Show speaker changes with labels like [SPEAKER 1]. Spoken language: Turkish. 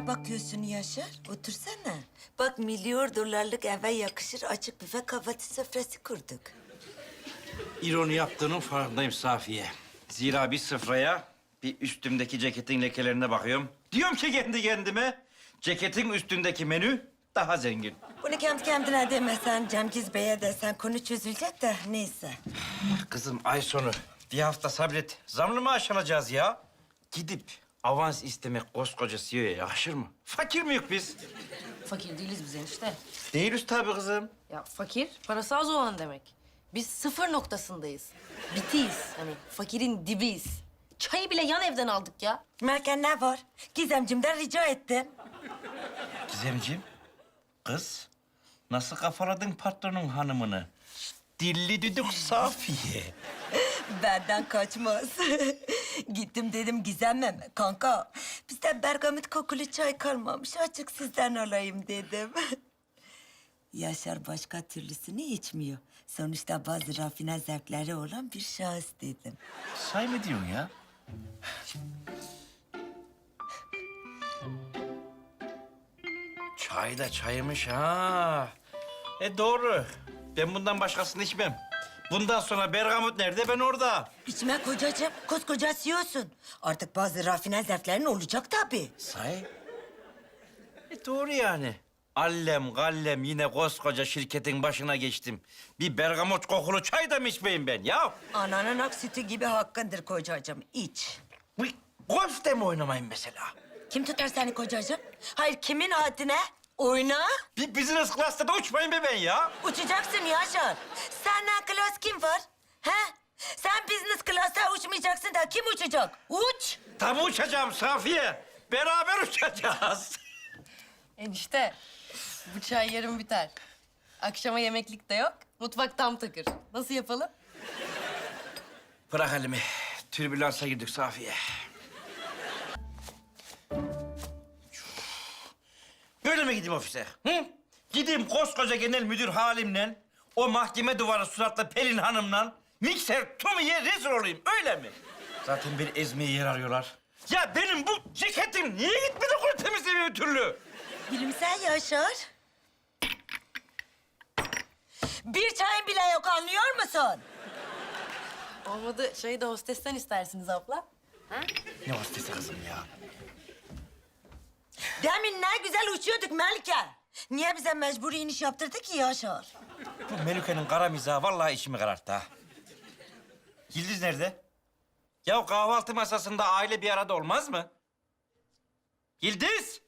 [SPEAKER 1] ne bakıyorsun Yaşar? Otursana. Bak milyon dolarlık eve yakışır açık büfe kahvaltı sofrası kurduk.
[SPEAKER 2] İroni yaptığının farkındayım Safiye. Zira bir sıfraya bir üstümdeki ceketin lekelerine bakıyorum. Diyorum ki kendi kendime, ceketin üstündeki menü daha zengin.
[SPEAKER 1] Bunu kendi kendine demesen, Cemgiz Bey'e desen konu çözülecek de neyse.
[SPEAKER 2] Kızım ay sonu bir hafta sabret. Zamlı maaş alacağız ya. Gidip avans istemek koskoca CEO'ya yakışır mı? Fakir miyiz biz?
[SPEAKER 3] Fakir değiliz biz enişte.
[SPEAKER 2] Değiliz tabii kızım.
[SPEAKER 3] Ya fakir, parası az olan demek. Biz sıfır noktasındayız. Bitiyiz. Hani fakirin dibiyiz. Çayı bile yan evden aldık ya.
[SPEAKER 1] Merken ne var? Gizemcimden rica ettim.
[SPEAKER 2] Gizemciğim, kız nasıl kafaladın patronun hanımını? Dilli düdük Safiye.
[SPEAKER 1] Benden kaçmaz. Gittim dedim Gizem'im. Kanka, bizde bergamot kokulu çay kalmamış. Açık sizden alayım dedim. Yaşar başka türlüsünü içmiyor. Sonuçta bazı rafine zevkleri olan bir şahıs dedim.
[SPEAKER 2] Say mı diyorsun ya? Çay da çaymış ha. Doğru. Ben bundan başkasını içmem. Bundan sonra bergamot nerede, ben orada.
[SPEAKER 1] İçme kocacığım, koskoca CEO'sun. Artık bazı rafine zevklerin olacak tabii.
[SPEAKER 2] Say. Doğru yani. Allem gallem yine koskoca şirketin başına geçtim. Bir bergamot kokulu çay da mı içmeyeyim ben ya?
[SPEAKER 1] Ananın ak sütü gibi hakkındır kocacığım, iç.
[SPEAKER 2] Bu golf de mi oynamayın mesela?
[SPEAKER 1] Kim tutar seni kocacığım? Hayır, kimin haddine? Oyna.
[SPEAKER 2] Bir business class'ta da uçmayın be ben ya.
[SPEAKER 1] Uçacaksın Yaşar. Senden klas kim var? He? Sen business class'ta uçmayacaksın da kim uçacak? Uç.
[SPEAKER 2] Tabii uçacağım Safiye. Beraber uçacağız.
[SPEAKER 3] Enişte, bu çay yarın biter. Akşama yemeklik de yok. Mutfak tam takır. Nasıl yapalım?
[SPEAKER 2] Bırak elimi. Türbülansa girdik Safiye. Böyle mi gideyim ofise? Hı? Gideyim koskoca genel müdür halimle, o mahkeme duvarı suratlı Pelin Hanım'la mikser Tommy'ye rezil olayım, öyle mi? Zaten beni ezmeye yer arıyorlar. Ya benim bu ceketim niye gitmedi kuru temizlemiyor bir türlü?
[SPEAKER 1] Gülümse Yaşar. Bir çayın bile yok, anlıyor musun?
[SPEAKER 3] Olmadı çayı da hostesten istersiniz abla.
[SPEAKER 2] Ne hostesi kızım ya?
[SPEAKER 1] Demin ne güzel uçuyorduk Melike. Niye bize mecburi iniş yaptırdı ki Yaşar?
[SPEAKER 2] Bu Melike'nin kara mizahı vallahi içimi kararttı ha. Yıldız nerede? Ya kahvaltı masasında aile bir arada olmaz mı? Yıldız!